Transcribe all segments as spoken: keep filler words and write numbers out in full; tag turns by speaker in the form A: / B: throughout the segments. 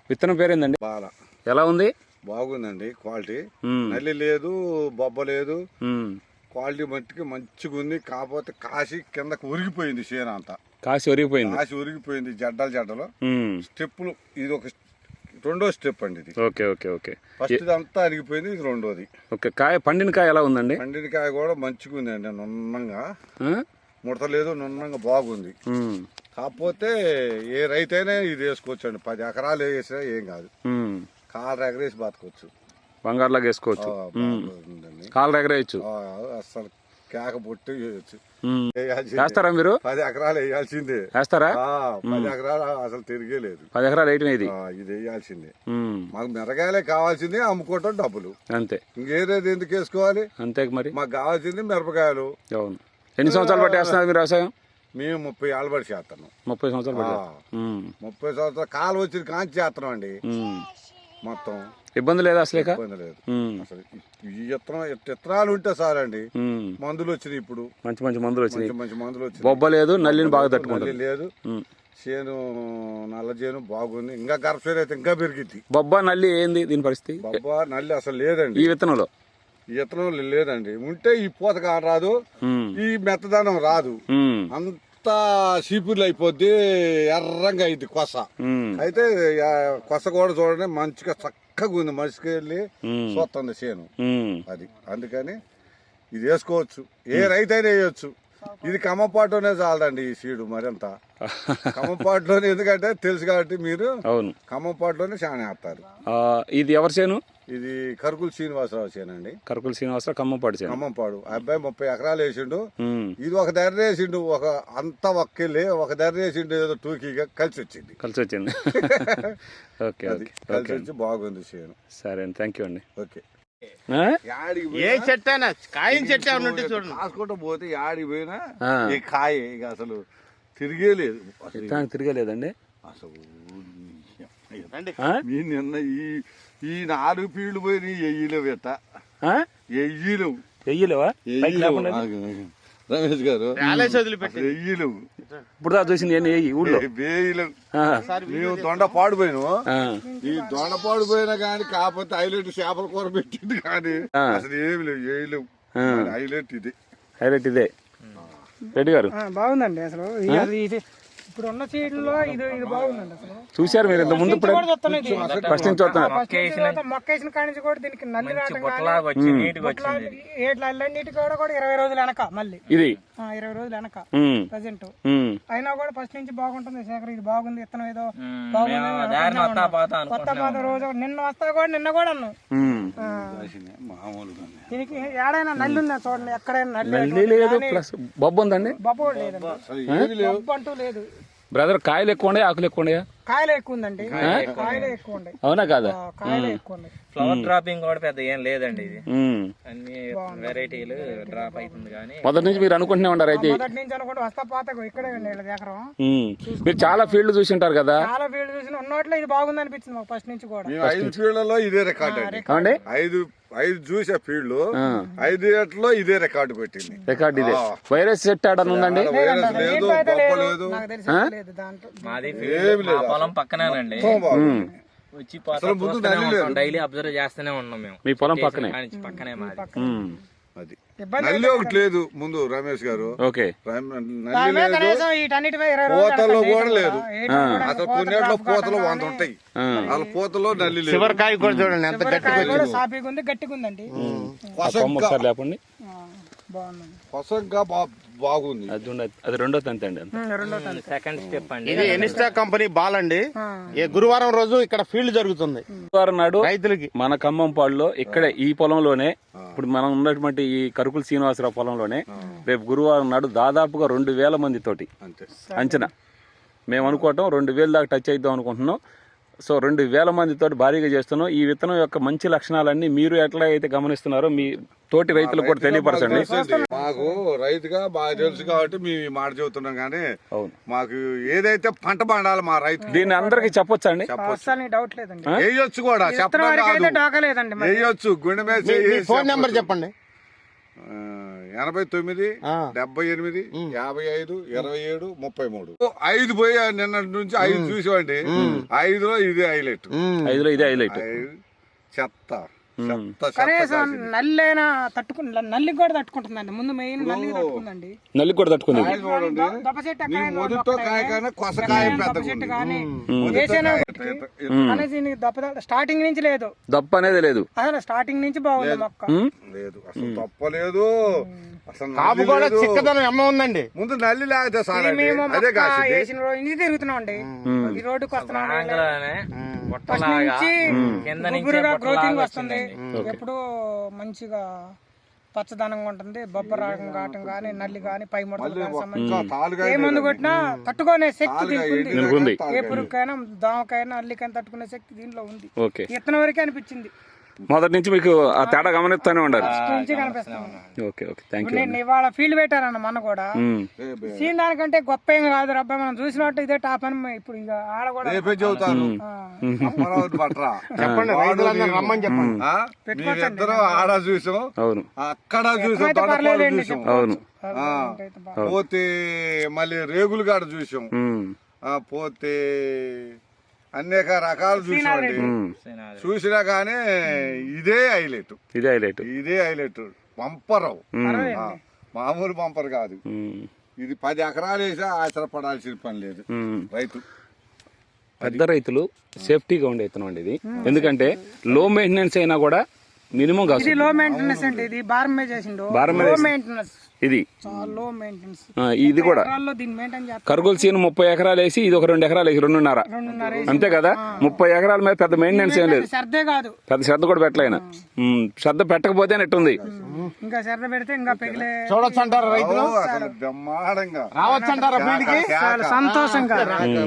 A: విత్తనం పేరేందండి?
B: బాల.
A: ఎలా ఉంది?
B: బాగుందండి క్వాలిటీ. నల్లి లేదు, బొబ్బ లేదు, క్వాలిటీ మట్టికి మంచిగా ఉంది. కాకపోతే కాసి కిందకి ఉరిగిపోయింది చేను అంతా.
A: కాసి ఉరిగిపోయింది
B: కాసి ఉరిగిపోయింది జడ్డలు జడ్డలు. స్టెప్పులు ఇది ఒక రెండో స్టెప్ అండి ఇది.
A: Okay okay okay.
B: ఫస్ట్ అంతా అరిగిపోయింది, ఇది రెండోది.
A: ఓకే. కాయ పండిన కాయ ఎలా ఉందండి?
B: పండిన కాయ కూడా మంచిగా ఉందండి, నున్నంగా ముడత లేదు, నున్నంగా బాగుంది. కాకపోతే ఏ రైతైనా ఇది వేసుకోవచ్చు అండి. పది ఎకరాలు వేసినా ఏం కాదు, కాలు ఎగరేసి బతకొచ్చు,
A: బంగారులాగా వేసుకోవచ్చు, కాలు ఎగరేయచ్చు,
B: అసలు కేక పొట్టి వేయచ్చు.
A: వేస్తారా మీరు?
B: పది ఎకరాలు వేయాల్సిందే.
A: వేస్తారా?
B: పది ఎకరాలు అసలు తిరిగే లేదు.
A: పది ఎకరాలు వేయటం ఇది
B: ఇది వేయాల్సిందే. మాకు మిరగాయలే కావాల్సింది, అమ్ముకోవటం డబ్బులు,
A: అంతే.
B: ఇంకేదేది ఎందుకు వేసుకోవాలి?
A: అంతే మరి.
B: మాకు కావాల్సింది మిరపకాయలు.
A: అవును. ఎన్ని సంవత్సరాలు బట్టి వేస్తున్నారు మీరు వ్యవసాయం?
B: మేము ముప్పై ఏళ్ళ బట్టి చేస్తున్నాం.
A: ముప్పై సంవత్సరాలు బట్టి
B: ముప్పై సంవత్సరాలు కాలు వచ్చిన కాంచి చేస్తున్నాం అండి. మొత్తం
A: ఇబ్బంది లేదు, అసలే
B: ఇబ్బంది లేదు అసలు. ఈ విత్తనం విత్తనాలు ఉంటే సార్ అండి. మందులు వచ్చినాయి ఇప్పుడు, మంచి మంచి మందులు వచ్చినాయి, మంచి మందులు వచ్చినాయి.
A: బొబ్బ లేదు, నల్లిని బాగా తట్టుకుంటుంది.
B: లేదు, చేను నల్ల చేను బాగుంది. ఇంకా గర్భశీర అయితే ఇంకా పెరిగింది.
A: బొబ్బ నల్లి ఏంది దీని పరిస్థితి?
B: బొబ్బ నల్లి అసలు లేదండి
A: ఈ విత్తనంలో.
B: ఈ విత్తనం లేదండి. ఉంటే ఈ పూతగా రాదు, ఈ మెత్తదనం రాదు, అంతా చీపుర్లు అయిపోద్ది, ఎర్రంగా అయింది కొస. అయితే కొస కూడా చూడండి మంచిగా చక్కగా ఉంది, మనిషికి వెళ్ళి చూస్తుంది చేను అది. అందుకని ఇది వేసుకోవచ్చు, ఏ రైతైనా వేయచ్చు. ఇది కమ్మపాటులోనే చాలదండి ఈ సీడు మరింత. కమ్మపాటులోనే, ఎందుకంటే తెలుసు కాబట్టి మీరు.
A: అవును,
B: కమ్మపాటులోనే చాలా వేస్తారు.
A: ఇది ఎవరి చేను?
B: ఇది కరుకుల శ్రీనివాసరావు చేనండి.
A: కరుకుల శ్రీనివాసరావు ఖమ్మంపాడు చేను.
B: ఖమ్మంపాడు. అబ్బాయి ముప్పై ఎకరాలు వేసిండు. ఇది ఒక ధర వేసిండు, ఒక అంతా ఒక్కెళ్ళి ఒక ధర వేసిండు, ఏదో టూకీగా కలిసి వచ్చింది.
A: కలిసి వచ్చింది ఓకే,
B: అది కలిసి వచ్చి బాగుంది చేను.
A: సరే అండి, థ్యాంక్ యూ అండి.
B: ఓకే.
C: ఏ చెట్టు అయినా కాయ చెట్టు ఏమన్నా చూడండి,
B: కాసుకుంటూ పోతే యాడికి పోయినా ఈ కాయ ఇక అసలు తిరిగే లేదు,
A: తిరగలేదండి
B: అసలు. నిన్న ఈ ఈ నాలుగు పీళ్లు పోయి ఎయ్యలేవు, ఎట్ట ఎయ్యలేవు,
A: ఎయ్యలేవా
B: రమేష్ గారు? ఎయ్యలేవు.
A: ఇప్పుడు చూసింది ఊళ్ళో
B: వేయలేవు. మేము దొండ పాడిపోయినాము, ఈ దొండ పాడిపోయినా కానీ కాకపోతే హైలైట్ చేపల కూర పెట్టింది కానీ అసలు ఏమి లేవు, వేయలేవు. హైలైట్ ఇది,
A: హైలైట్ ఇదే. రెడ్డి గారు
D: బాగుందండి అసలు. ఇప్పుడు ఉన్న సీడ్లో ఇది ఇది బాగుందండి అసలు.
A: చూసారు మీరు ఇంత ముందు? ఫస్ట్ నుంచి చూస్తున్నారు.
D: మొక్కేసిన కాడి నుంచి కూడా దీనికి నల్లి నీటి కూడా కూడా ఇరవై రోజులు వెనక మళ్ళీ
A: ఇది
D: ఇరవై రోజులు వెనక ప్రజెంట్. అయినా కూడా ఫస్ట్ నుంచి బాగుంటుంది. శేఖర్ ఇది బాగుంది, విత్తనం ఏదో బాగుంది. కొత్త పాత రోజు నిన్న వస్తా కూడా నిన్న కూడా అన్నాం. దీనికి ఏడైనా నల్లి ఉందా చూడండి, ఎక్కడైనా నల్లి
A: లేదు. ప్లస్ బొబ్బ ఉందండి?
D: బొబ్బ లేదండి, బొబ్బ అంటూ లేదు.
A: బ్రదర్ కాయలు ఎక్కువ ఉండే, ఆకులు ఎక్కువ ఉండే?
D: కాయలు ఎక్కువ ఉందండి, కాయలే ఎక్కువ ఉండే.
A: అవునా కాదా?
D: కాయలే ఎక్కువ ఉన్నాయి.
C: ఫ్లవర్ డ్రాపింగ్ కూడా పెద్ద ఏం లేదండి. ఇది అన్ని వెరైటీలు డ్రాప్ అవుతుంది. కానీ
A: మొదటి నుంచి మీరు అనుకుంటూనే ఉంటారు అయితే?
D: మొదటి నుంచి అనుకుంటే వస్తా పాత ఇక్కడే ఎకరం.
A: మీరు చాలా ఫీల్డ్ చూసి ఉంటారు కదా?
D: చాలా ఫీల్డ్ చూసిన ఉన్నట్లో ఇది బాగుంది అనిపించింది మాకు ఫస్ట్ నుంచి కూడా.
B: ఐదు ఫీల్డ్లలో ఇదే రికార్డ్ అండి. ఐదు ఐదు చూసే ఫీల్డ్ ఐదు లో ఇదే రికార్డు పెట్టింది.
A: రికార్డు ఇదే. వైరస్ సెట్ ఆడ ఉందండి?
B: లేదు, బొబ్బ లేదు,
C: మాది పొలం పక్కనేనండి. వచ్చి డైలీ అబ్జర్వ్ చేస్తూనే ఉన్నాం మేము.
A: మీ పొలం పక్కనే?
C: పక్కనే మాది.
B: అది నల్లి ఒకటి లేదు ముందు రమేష్ గారు.
A: ఓకే.
B: పూతలో కూడా లేదు అసలు. కొన్నిట్లో పూతలు వంద ఉంటాయి, వాళ్ళ పూతలో నల్లి లేదు.
C: చివరికాయ కూడా చూడండి ఎంత గట్టిగా
D: గట్టిగా ఉందండి.
A: లేపండి,
B: కొసంగా బాగుంది.
A: అది రెండో తంతి అండి,
C: సెకండ్ స్టెప్ అండి.
E: ఇది ఎనిస్టా కంపెనీ బాల్ అండి. గురువారం రోజు ఇక్కడ ఫీల్డ్ జరుగుతుంది.
A: గురువారం నాడు
E: రైతులకి మన
A: ఖమ్మంపాడులో ఇక్కడే ఈ పొలంలోనే, ఇప్పుడు మనం ఉన్నటువంటి ఈ కరుకుల శ్రీనివాసరావు పొలంలోనే రేపు గురువారం నాడు దాదాపుగా రెండు వేల మంది తోటి అంచనా. మేము అనుకోవటం రెండు వేల దాకా టచ్ అవుతాం అనుకుంటున్నాం. సో రెండు వేల మందితో భారీగా చేస్తున్నాం. ఈ విత్తనం యొక్క మంచి లక్షణాలన్నీ మీరు ఎట్లా అయితే గమనిస్తున్నారో మీ తోటి రైతులకు కూడా తెలియపరచండి.
B: మాకు రైతుగా బాగా తెలుసు కాబట్టి మేము మాట చెబుతున్నాం. కానీ మాకు ఏదైతే పంట పండాలి మా రైతు,
A: దీన్ని అందరికి చెప్పొచ్చు అండి.
B: వేయొచ్చు కూడా, చెప్పలేదండి, వేయొచ్చు. గుండె మీద
E: ఫోన్ నెంబర్ చెప్పండి.
B: ఆ, ఎనభై తొమ్మిది డెబ్బై ఎనిమిది యాభై ఐదు ఇరవై ఏడు ముప్పై మూడు ఐదు పోయి నిన్నటి నుంచి ఐదు చూసామండి ఐదులో ఇది హైలైట్
A: ఐదులో ఇదే హైలైట్.
B: చెత్త చెత్త
D: కనీసం నల్లైనా తట్టుకు నల్లికి కూడా తట్టుకుంటుందండి. ముందు మెయిన్ నల్లికి తట్టుకుందండి.
A: నల్లికి కూడా తట్టుకుంది.
D: దొప్ప చెట్టు
B: నీ
D: ఎక్కడైనా
B: మొదటితో కాయ కానీ కొసకాయ
D: దొప్ప
B: పెద్దగా
D: చెట్టు
B: ఉంది.
D: కానీ
B: మొదటితో
D: వేసేనా
B: కాయ
D: ఒకటి.
B: పెద్ద-
D: అనేసి దీనికి దొప్ప స్టార్టింగ్ నుంచి లేదు,
A: దప్ప అనేది లేదు.
D: అసలు స్టార్టింగ్ నుంచి బాగుంది మొక్క.
A: ఉమ్.
B: లేదు అసలు తప్పలేదు. అసలు
E: కాపు
B: నల్లి
E: కూడా
B: లేదు.
E: చిక్కదనం ఎమ్మ ఉందండి.
B: ముందు నల్లి లేకపోతే
D: ఇది
B: సార్
D: మేము
B: అదే
D: మొక్క
B: కాసింది.
D: వేసిన రోజు నుంచి తిరుగుతున్నాం అండి. ఈ రోడ్డుకి వస్తున్నాం
C: ఆంగ్లానే
D: ఫస్ట్
C: బుట్టలాగా
D: నుంచి
C: కింద నుంచి
D: గుబురుగా గ్రోతింగ్
C: బుట్టలాగా
D: వస్తుంది. ఎప్పుడు మంచిగా పచ్చదనంగా ఉంటుంది. బొబ్బ రాగం కావటం కానీ నల్లి కానీ పై ముడతలు కానీ సంబంధించి
B: ఇంకా తాలుగా
D: ఏ మందు కొట్టినా తట్టుకునే శక్తి దీనికి ఉంది.
A: దీనికి ఉంది.
D: ఏ పురుగుకైనా దోమకైనా అల్లికైనా తట్టుకునే శక్తి దీంట్లో ఉంది.
A: ఓకే.
D: ఇత్తనం వరకే అనిపించింది,
A: మొదటి నుంచి మీకు ఆ తేడా గమనిస్తూనే ఉండాలి.
D: ఫస్ట్ నుంచి కనిపిస్తుంది.
A: ఓకే ఓకే థ్యాంక్
D: ఇప్పుడు
A: యూ.
D: నేను ఇవాళ ఫీల్డ్ పెట్టారన్న మన కూడా సీన్ దానికంటే గొప్ప ఏం కాదు రబ్బా, మనం చూసినట్టు ఇదే టాప్ అని ఇప్పుడు ఇక ఆడ కూడా
B: రేపే చెబుతాను
D: ఆ,
B: అమరావతి పట్రా
E: చెప్పండి, రైతులందరూ రమ్మని చెప్పండి.
B: ఆ? మీరిద్దరం ఆడ చూసాం,
A: అవును
B: అక్కడ చూసాం,
D: అయితే
B: తొడపాలు
D: పర్లేదండి,
B: చూసాం,
A: అవును.
B: ఆ.
D: అయితే బాగా.
B: పోతే మళ్ళీ రేగులు కాడ చూసాం,
A: ఉమ్.
B: ఆ, పోతే అనేక రకాలు చూసామండి.
A: ఉమ్.
B: చూసినా కానీ ఇదే హైలైట్,
A: ఇదే హైలైట్.
B: ఇదే హైలైట్. బంపరం, ఆ, మామూలు బంపర్ కాదు. ఇది పది ఎకరాలు వేసా ఆశ్రపడాల్సిన పని లేదు రైతు.
A: పెద్ద రైతులు సేఫ్టీగా ఉండే విత్తనం అండి ఇది. ఎందుకంటే లో మెయింటెనెన్స్ అయినా కూడా మినిమం కాదు.
D: ఇది లో మెయింటెనెన్స్ అండి. ఇది బారం మీద చేసిండు,
A: భారం మీద
D: లో
A: వేసి-
D: మెయింటెనెన్స్,
A: ఇది
D: చాలా లో మెయింటెనెన్స్.
A: ఆ, ఇది కూడా
D: ఎకరాల్లో దీన్ని మెయింటైన్ చేస్తారు.
A: కర్గోల్ సీన్ ముప్పై ఎకరాలు వేసి ఇది ఒక రెండు ఎకరాలు వేసి రెండున్నర
D: రెండున్నర
A: అంతే కదా. ముప్పై ఎకరాల మీద పెద్ద మెయింటెనెన్స్ ఏం లేదు,
D: శ్రద్ధే కాదు,
A: పెద్ద శ్రద్ధ కూడా పెట్టలేనా. శ్రద్ధ పెట్టకపోతే ఎట్టుంది.
D: ఇంకా శ్రద్ధ పెడితే ఇంకా పెగిలే
E: చూడొచ్చు అంటారా రైతులు?
B: ఓ, అసలు బ్రహ్మాండంగా
E: రావచ్చు అంటారా ఫీల్డ్ కి?
D: చాలా సంతోషంగా.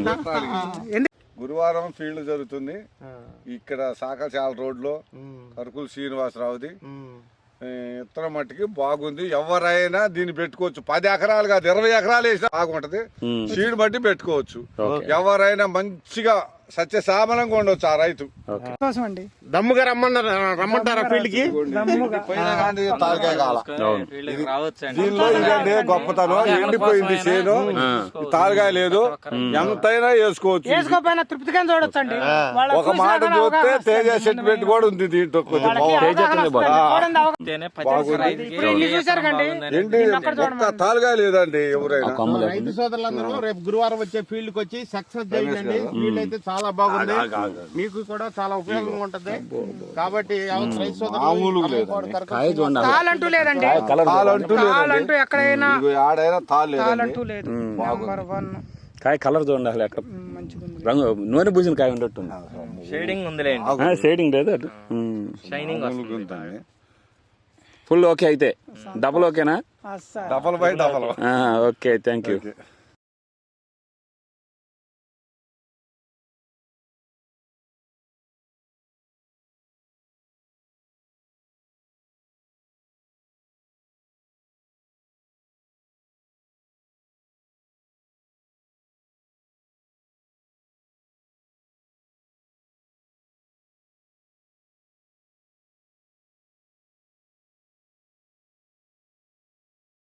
B: గురువారం ఫీల్డ్ జరుగుతుంది ఇక్కడ సాకచాల రోడ్ లో, కరుకుల శ్రీనివాసరావుది. ఇతర మట్టికి బాగుంది. ఎవరైనా దీన్ని పెట్టుకోవచ్చు. పది ఎకరాలు కాదు, ఇరవై ఎకరాలు వేసినా బాగుంటది. సీడ్ బట్టి పెట్టుకోవచ్చు. ఎవరైనా మంచిగా సత్యసామలంగా ఉండొచ్చు ఆ రైతు.
D: సంతోషం అండి.
E: దమ్ముగా రమ్మన్నారు, రమ్మంటారా ఫీల్డ్ కి?
B: పోయినా కానీ తాలకాయ కాల.
C: ఫీల్డ్కి రావచ్చు అండి.
B: దీనిలో ఇదండి గొప్పతనం. ఎండిపోయింది చేను, తాలకాయ లేదు, ఎంతైనా వేసుకోవచ్చు.
D: వేసుకోపోయినా తృప్తిగా చూడొచ్చు అండి. వాళ్ళ
B: ఒక మాట చూస్తే తేజ సెటిల్మెంట్ కూడా ఉంది దీంట్లో. కొంచెం
C: అంతేనే పచ్చి రైతుకి
D: ఇప్పుడు ఇల్లు చూసారు కండి,
B: ఏంటి ఒక్క తాలుగా లేదండి ఎవరైనా.
E: రైతు సోదరులందరూ రేపు గురువారం వచ్చే ఫీల్డ్ కి వచ్చి సక్సెస్ చేయండి. ఫీల్డ్ అయితే చాలా బాగుంది, మీకు కూడా చాలా ఉపయోగంగా ఉంటది. కాబట్టి ఎవరు రైతు
B: మామూలుగా లేదండి.
E: సోదరులు
D: తాళంటూ లేదండి,
B: తాళంటూ
D: తాళంటూ ఎక్కడైనా
B: ఇదిగో ఆడైనా తాళ్ళు లేదండి.
D: తాళంటూ లేదు. నెంబర్ వన్
A: కాయ కలర్ చూడండి అసలు ఎక్కడ
D: మంచిగా ఉంది.
A: రంగు నూనె పూసిన కాయ ఉండట్టుంది.
C: షేడింగ్ ఉందిలేండి,
A: షేడింగ్ లేదు అటు.
C: షైనింగ్
B: మామూలుగా ఉందండి.
A: ఫుల్ ఓకే అయితే డబుల్ ఓకేనా.
D: అస్సలు
B: double by double.
A: Okay thank you.